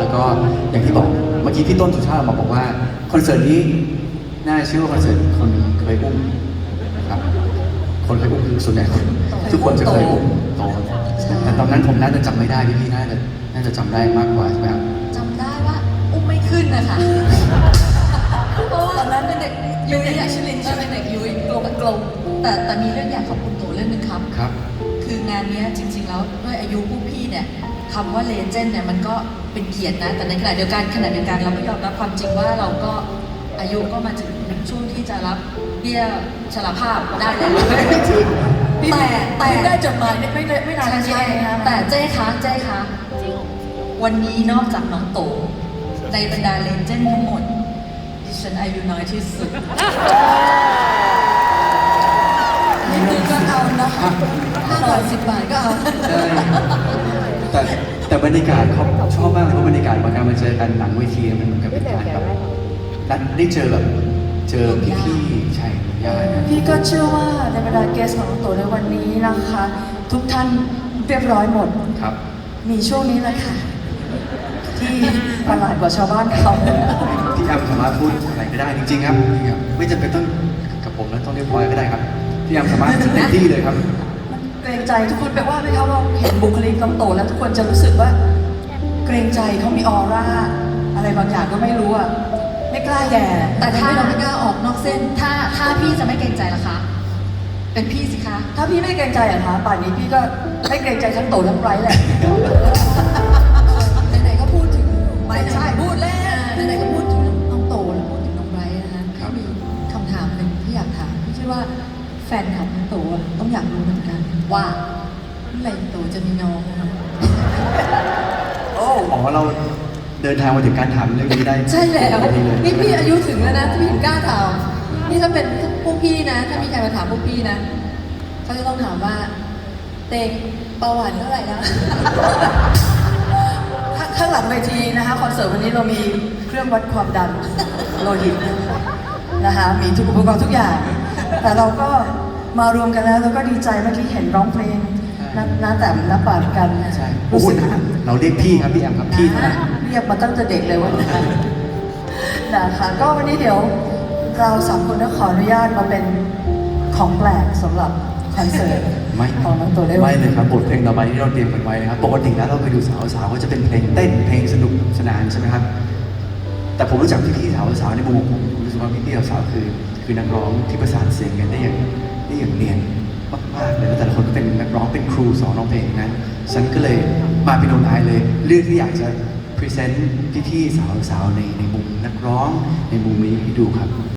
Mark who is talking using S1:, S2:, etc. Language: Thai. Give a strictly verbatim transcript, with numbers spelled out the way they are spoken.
S1: แล้วก็อย่างที่บอกเมื่อกี้พี่ต้นสุชาติมาบอกว่าคอนเสิร์ตนี้น่าเชื่อว่าคอนเสิร์ตคนเคยอุ้มนะครับคนเคยอุ้มคือส่วนใหญ่คนทุกคนจะเคยอุ้มโตแต่ตอนนั้นผมน่าจะจำไม่ได้พี่ๆน่าจะน่าจะจำได้มากกว่าใช่ไหมครับ
S2: จำได้ว่าอุ้มไม่ขึ้นนะคะเพราะว่าตอนนั้นเป็นเด็กยุ้ยอะชิลินใช่เป็นเด็กยุ้ยกลมกลมแต่แต่มีเรื่องอยากขอบคุณโตเรื่องนึงครับ
S1: ครับ
S2: คืองานนี้จริงๆแล้วด้วยอายุพวกพี่เนี่ยคำว่าเลเจนด์เนี่ยมันก็เป็นเกียรตินะแต่ในขณะเดียวกันขณะเดียวกันเราก็ยอมรับความจริงว่าเราก็อายุก็มาถึงช่วงที่จะรับเบี้ยชราภาพได้แล้วแต่แต่
S3: ได้จดหมายไม่ไม่ไม่นานใช่ไหมคะ
S2: แต่เจ๊คะเจ๊คะวันนี้นอกจากน้องโตในบรรดาเลเจนด์ทั้งหมดดิฉันอายุน้อยที่สุด
S3: นี่คือก็เอานะคะห้าบาทสิบบาทก็เอา
S1: ใช่แต่แต่บรรยากาศเขาชอบมากเลยเพราะบรรยากาศของการมาเจอกันหลังเวทีมันเหมือนกับเป็นการแบบนัดได้เจอแบบเจอพี่ๆใช่ญาตินะ
S3: พี่ก็เชื่อว่าในบรรดาเกสของน้องโตในวันนี้นะคะ ทุกท่านเรียบร้อยหมด
S1: ครับ
S3: มีช่วงนี้แหละค่ะที่ประหลาดกว่าชาวบ้านเขา
S1: พี่แอมสามารถพูดอะไรก็ได้จริงๆครับไม่จำเป็นต้องกับผมแล้วต้องเรียบร้อยก็ได้ครับพี่แอมสามารถเต็มที่เลยครับ
S3: เกรงใจทุกคนแปลว่าไหมคะว่าเห็นบุคลิกน้องโตแล้วทุกคนจะรู้สึกว่าเกรงใจเขามีออร่าอะไรบางอย่างก็ไม่รู้อ่ะไม่กล้าแย่
S2: แต่ถ้าเราไม่กล้าออกนอกเส้นถ้าถ้าพี่จะไม่เกรงใจล่ะคะเป็นพี่สิคะ
S3: ถ้าพี่ไม่เกรงใจอะคะป่านนี้พี่ก็ไม่เกรงใจทั้งโตทั้งไบรท์แหละ
S2: ไหนๆก็พูดถึง
S3: ไม่ใช่พูดแล้ว
S2: ไหนๆก็พูดถึงน้องโตแล้วพูดถึงน้องไบรท์นะคะมีคำถามหนึ่งที่อยากถามพี่เชื่อว่าแฟนคลับน้องโตต้องอยากรู้เหมือนกันว่าเมื่อไหร่โตจะมีน้อง
S1: โอ้อ๋อเราเดินทางมาถึงการถามเรื่องนี้ได้
S2: ใช่แล้วนี่พี่อายุถึงแล้วนะพี่ถึงกล้าถามนี่ถ้าเป็นพวกพี่นะถ้ามีใครมาถามพวกพี่นะเขาจะต้องถามว่าเตงเบาหวานเท่าไหร่นะ
S3: ข้างหลังเวทีนะคะคอนเสิร์ตวันนี้เรามีเครื่องวัดความดันโลหิตนะคะมีทุกอุปกรณ์ทุกอย่างแต่เราก็มารวมกันแล้วแล้วก็ดีใจเมื่อกี้เห็นร้องเพลงน้าแต่น้าปาดกัน
S1: ใช่รู้สึกเราเรียกพี่ครับพี่แอมครับพี่นะ
S3: เรียกมาตั้งแต่เด็กเลยวันนี้นะคะก็วันนี้เดี๋ยวเราสามคนก็ขออนุญาตมาเป็นของแปลกสำหรับคอนเสิร์ตของน้องโตได้
S1: ไม่เลยครับบทเพลงต่อไปที่เราเตรียมกันไว้นะครับปกติแล้วเราไปดูสาวสาวก็จะเป็นเพลงเต้นเพลงสนุกสนานใช่ไหมครับแต่ผมรู้จักพี่ๆสาวสาวในมุมผมรู้สึกว่าพี่ๆสาวคือคือนักร้องที่ประสานเสียงกันได้อย่างได้อย่างเนียนมากๆเลยแล้วแต่ละคนก็เป็นนักร้องเป็นครูสอนร้องเพลงนั้นฉันก็เลยมาเป็นโนนายเลยเรื่องที่อยากจะพรีเซนต์พี่ๆสาวๆในในมุมนักร้องในมุมนี้ให้ดูครับ